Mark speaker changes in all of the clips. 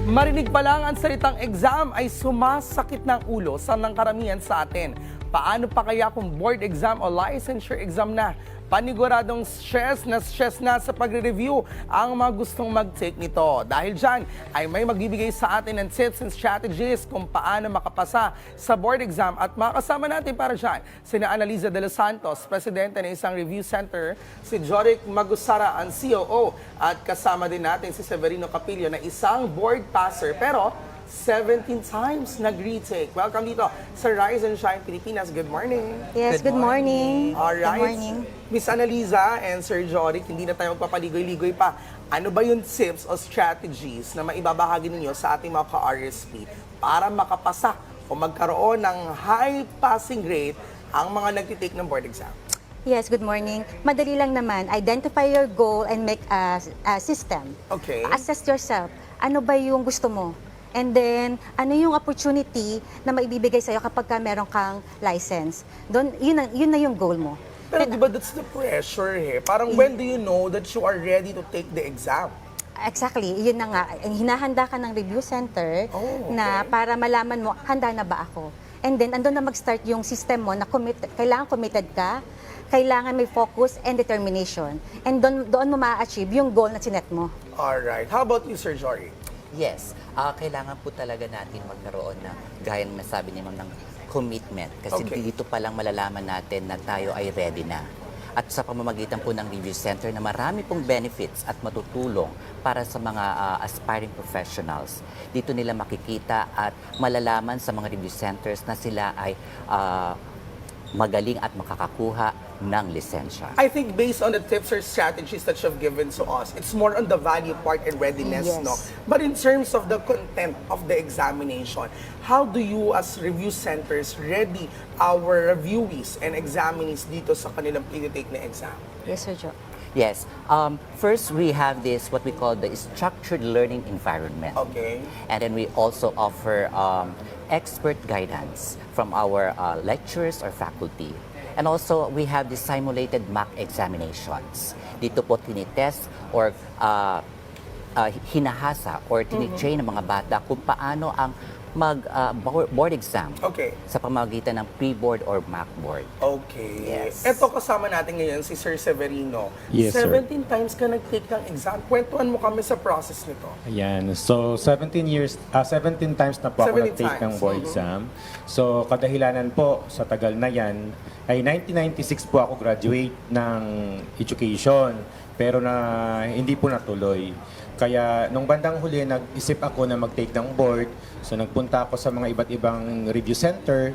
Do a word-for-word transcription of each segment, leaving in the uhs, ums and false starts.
Speaker 1: Marinig pa lang ang salitang exam ay sumasakit ng ulo sa nangkaramihan sa atin. Paano pa kaya kung board exam o licensure exam na? Paniguradong stress na stress na sa pagre-review ang mga gustong mag-take nito. Dahil dyan ay may magbibigay sa atin ng tips and strategies kung paano makapasa sa board exam. At makasama natin para dyan sina Analiza de los Santos, presidente ng isang review center, si Joric Magusara, ang C O O, at kasama din natin si Severino Capillo na isang board passer pero seventeen times nag-retake. Welcome dito sa Rise and Shine Pilipinas. Good morning.
Speaker 2: Yes, good, morning.
Speaker 1: Alright.
Speaker 2: Good morning.
Speaker 1: Miss Analiza and Sir Joric, hindi na tayo magpapaligoy-ligoy pa. Ano ba yung tips o strategies na maibabahagi ninyo sa ating mga ka-R S P para makapasa o magkaroon ng high passing rate ang mga nagtitake ng board exam?
Speaker 2: Yes, good morning. Madali lang naman. Identify your goal and make a, a system.
Speaker 1: Okay.
Speaker 2: Assess yourself. Ano ba yung gusto mo? And then, ano yung opportunity na maibibigay sa'yo kapag ka meron kang license? Doon, yun, na- yun na yung goal mo.
Speaker 1: Pero di ba that's the pressure eh? Parang when do you know that you are ready to take the exam?
Speaker 2: Exactly, yun na nga. Hinahanda ka ng review center
Speaker 1: Oh, okay.
Speaker 2: na para malaman mo, handa na ba ako? And then, andun na mag-start yung system mo na committed, kailangan committed ka, kailangan may focus and determination. And doon, doon mo ma-achieve yung goal na sinet mo.
Speaker 1: Alright. How about you, Sir Jory?
Speaker 3: Yes, ah, kailangan po talaga natin magkaroon ng, gaya ng nasabi ni Ma'am, ng commitment. Kasi
Speaker 1: Okay.
Speaker 3: dito pa lang malalaman natin na tayo ay ready na. At sa pamamagitan po ng review center na marami pong benefits at matutulong para sa mga ah, aspiring professionals. Dito nila makikita at malalaman sa mga review centers na sila ay ah, magaling at makakakuha ng lisensya.
Speaker 1: I think based on the tips or strategies that you've given to us, it's more on the value part and readiness,
Speaker 2: Yes.
Speaker 1: no? But in terms of the content of the examination, how do you as review centers ready our reviewees and examinees dito sa kanilang pinitake na exam?
Speaker 2: Yes, Sir Joe.
Speaker 3: Yes. Um, first, we have this, what we call the structured learning environment.
Speaker 1: Okay.
Speaker 3: And then we also offer um, expert guidance from our uh, lecturers or faculty. And also, we have the simulated mock examinations. Dito po tinitest or uh, uh, hinahasa or tinitrain ng mga bata kung paano ang mag uh, board board exam
Speaker 1: Okay.
Speaker 3: sa pamamagitan ng pre-board or mock board.
Speaker 1: Okay.
Speaker 3: Yes.
Speaker 1: Ito kasama natin ngayon si Sir Severino.
Speaker 4: Yes, sir.
Speaker 1: seventeen times ka nag-take ng exam. Kwentuhan mo kami sa process nito.
Speaker 4: Ayan. So, seventeen years, ah seventeen times na po ako
Speaker 1: seventeen
Speaker 4: nag-take ng
Speaker 1: times.
Speaker 4: board
Speaker 1: Mhm.
Speaker 4: exam. So, kadahilanan po sa tagal na yan, ay nineteen ninety-six po ako graduate ng education. Pero na hindi po natuloy. Kaya nung bandang huli, nag-isip ako na mag-take ng board. So, nagpunta ako sa mga iba't ibang review center,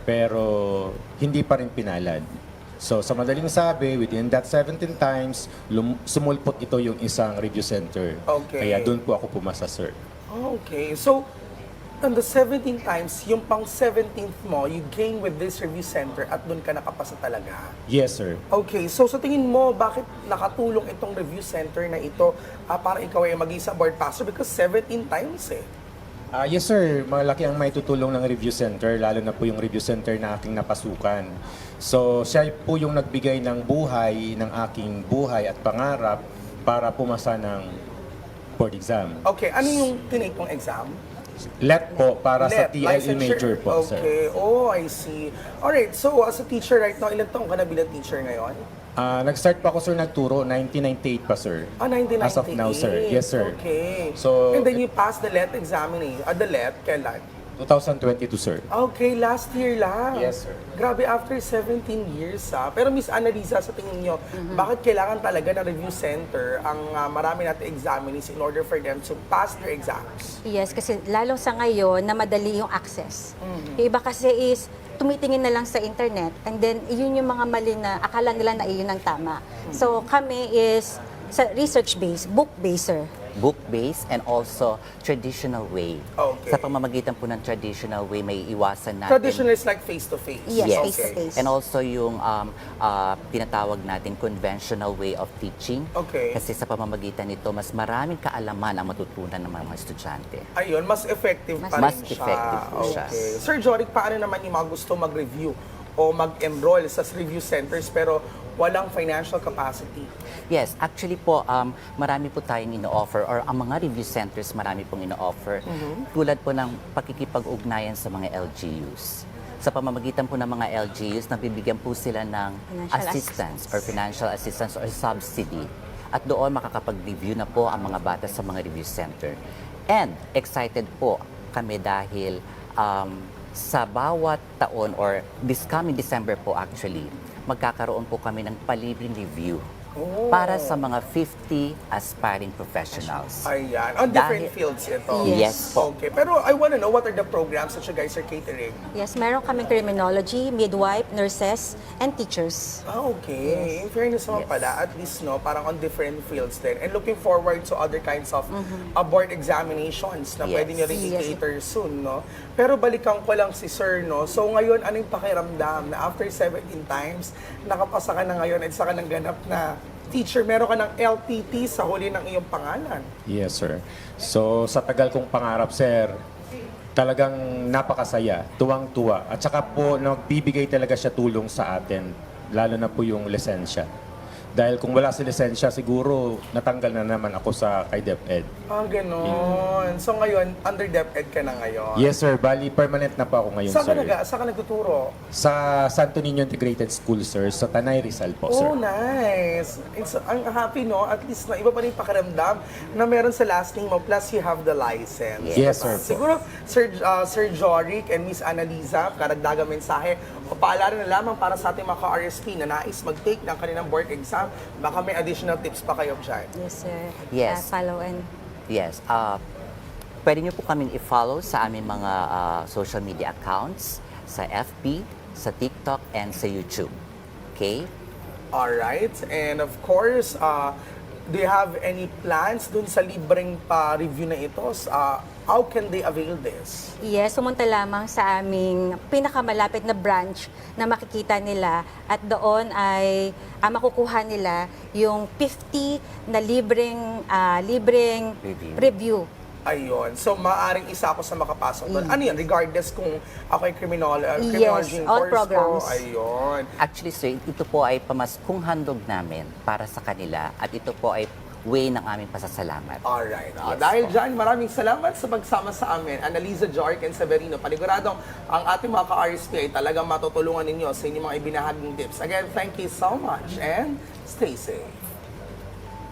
Speaker 4: pero hindi pa rin pinalad. So, sa madaling sabi, within that seventeen times, lum- sumulpot ito yung isang review center.
Speaker 1: Okay.
Speaker 4: Kaya doon po ako pumasa, sir.
Speaker 1: Okay. So, on the seventeen times, yung pang seventeenth mo, you gain with this review center at doon ka nakapasa talaga.
Speaker 4: Yes, sir.
Speaker 1: Okay, so sa tingin mo, bakit nakatulong itong review center na ito ah, para ikaw ay maging sa board passer? Because seventeen times eh.
Speaker 4: Ah, yes, sir. Malaki ang may tutulong ng review center, lalo na po yung review center na aking napasukan. So, siya po yung nagbigay ng buhay, ng aking buhay at pangarap para pumasa ng board exam.
Speaker 1: Okay, ano yung tinake mong exam?
Speaker 4: Let po para sa
Speaker 1: Let,
Speaker 4: T L E
Speaker 1: licensure.
Speaker 4: major po, sir.
Speaker 1: Okay, oh, I see. Alright, so as a teacher right now, ilan taong ka na bilang teacher ngayon?
Speaker 4: Ah, nag-start pa ako, sir, nagturo, nineteen ninety-eight pa, sir.
Speaker 1: Ah, nineteen ninety-eight.
Speaker 4: As of now, sir. Yes, sir.
Speaker 1: Okay.
Speaker 4: So,
Speaker 1: And then you passed the Let examination. Ah, the Let, kailan?
Speaker 4: twenty twenty-two, sir.
Speaker 1: Okay, last year lang.
Speaker 4: Yes, sir.
Speaker 1: Grabe, after seventeen years ah. Pero Miss Annalisa, sa tingin nyo, bakit kailangan talaga ng review center ang ah, marami natin examinees in order for them to pass their exams?
Speaker 2: Yes, kasi lalo sa ngayon na madali yung access. Yung iba kasi is tumitingin na lang sa internet and then yun yung mga mali na akala nila na iyon ang tama. So kami is sa research-based, book-based, sir.
Speaker 3: Book-based and also traditional way.
Speaker 1: Okay.
Speaker 3: Sa pamamagitan po ng traditional way, may iwasan natin.
Speaker 1: Traditional is like face-to-face.
Speaker 2: Yes,
Speaker 3: Yes.
Speaker 2: face-to-face.
Speaker 3: And also yung um, ah, tinatawag natin conventional way of teaching.
Speaker 1: Okay.
Speaker 3: Kasi sa pamamagitan nito, mas maraming kaalaman ang matutunan ng mga estudyante.
Speaker 1: Ayun, mas effective pa
Speaker 3: Mas
Speaker 1: rin siya.
Speaker 3: effective po siya.
Speaker 1: Okay. Sir Joric, paano naman yung mga gusto mag-review o mag-enroll sa review centers pero walang financial capacity?
Speaker 3: Yes, actually po, um, marami po tayong ino-offer or ang mga review centers marami pong ino-offer. Tulad po ng pakikipag-ugnayan sa mga L G Us. Sa pamamagitan po ng mga L G Us, nabibigyan po sila ng
Speaker 2: Financial
Speaker 3: assistance
Speaker 2: assistance.
Speaker 3: or financial assistance or subsidy. At doon makakapag-review na po ang mga bata sa mga review center. And excited po kami dahil um, sa bawat taon or this coming December po actually, magkakaroon po kami ng palibreng review
Speaker 1: Oh.
Speaker 3: para sa mga fifty aspiring professionals.
Speaker 1: Ayan. On different
Speaker 3: Dahil-
Speaker 1: fields ito.
Speaker 3: Yes po.
Speaker 1: Okay. Pero I want to know what are the programs that you guys are catering?
Speaker 2: Yes, meron kaming criminology, midwife, nurses, and teachers.
Speaker 1: Ah, okay. In fairness naman
Speaker 3: Yes.
Speaker 1: pala, at least, no, parang on different fields din. And looking forward to other kinds of uh, board examinations na
Speaker 3: Yes.
Speaker 1: pwede nyo rin
Speaker 2: Yes.
Speaker 1: i-cater soon, no? Pero balikan ko lang si Sir, no? So ngayon, anong pakiramdam na after seventeen times, nakapasa ka na ngayon at saka nang ganap na teacher, meron ka ng L P T sa huli ng iyong pangalan.
Speaker 4: Yes, sir. So, sa tagal kong pangarap, sir, talagang napakasaya, tuwang-tuwa. At saka po, nagbibigay talaga siya tulong sa atin, lalo na po yung lisensya. Dahil kung wala si lisensya, siguro natanggal na naman ako sa kay DepEd.
Speaker 1: Ah, ganon. So ngayon, under DepEd ka na ngayon.
Speaker 4: Yes, sir. Bali, permanent na po ako ngayon,
Speaker 1: Saan ka,
Speaker 4: sir.
Speaker 1: naga, saan ka nagtuturo?
Speaker 4: Sa Santo Niño Integrated School, sir. Sa Tanay Rizal po, sir.
Speaker 1: Oh, nice. It's, ang happy, no? At least na iba pa rin yung pakiramdam na meron sa last name mo, plus you have the license.
Speaker 4: Yes, sir. Po.
Speaker 1: Siguro, Sir, uh, Sir Joric and Miss Annalisa, karagdagang mensahe, o paalala na lamang para sa ating mga ka-R S P na nais mag-take ng kanilang board exam, baka may additional tips pa kayo dyan.
Speaker 2: Yes, sir.
Speaker 3: Yes.
Speaker 2: Uh, follow and
Speaker 3: Yes. Uh, pwede niyo po kaming i-follow sa aming mga uh, social media accounts, sa F B, sa TikTok, and sa YouTube. Okay?
Speaker 1: Alright. And of course, uh, do you have any plans dun sa libreng pa-review na ito? Uh, how can they avail this?
Speaker 2: yes, sumunta lamang sa aming pinakamalapit na branch na makikita nila at doon ay ah, makukuha nila yung fifty na libreng ah, libreng
Speaker 3: Review.
Speaker 2: review.
Speaker 1: Ayun. So, maaring isa ako sa makapasok doon. Ano yan? Regardless kung ako ay criminal, uh,
Speaker 2: Yes,
Speaker 1: criminology
Speaker 2: all
Speaker 1: course
Speaker 2: programs.
Speaker 1: ko. Ayun.
Speaker 3: Actually, sir, ito po ay pamaskong handog namin para sa kanila at ito po ay way ng aming pasasalamat.
Speaker 1: Alright. Uh,
Speaker 3: Yes
Speaker 1: dahil
Speaker 3: po.
Speaker 1: dyan, maraming salamat sa pagsama sa amin. Annalisa, Joric, and Severino. Paniguradong ang ating mga ka-R S P ay talagang matutulungan ninyo sa inyong mga ibinahaging tips. Again, thank you so much and stay safe.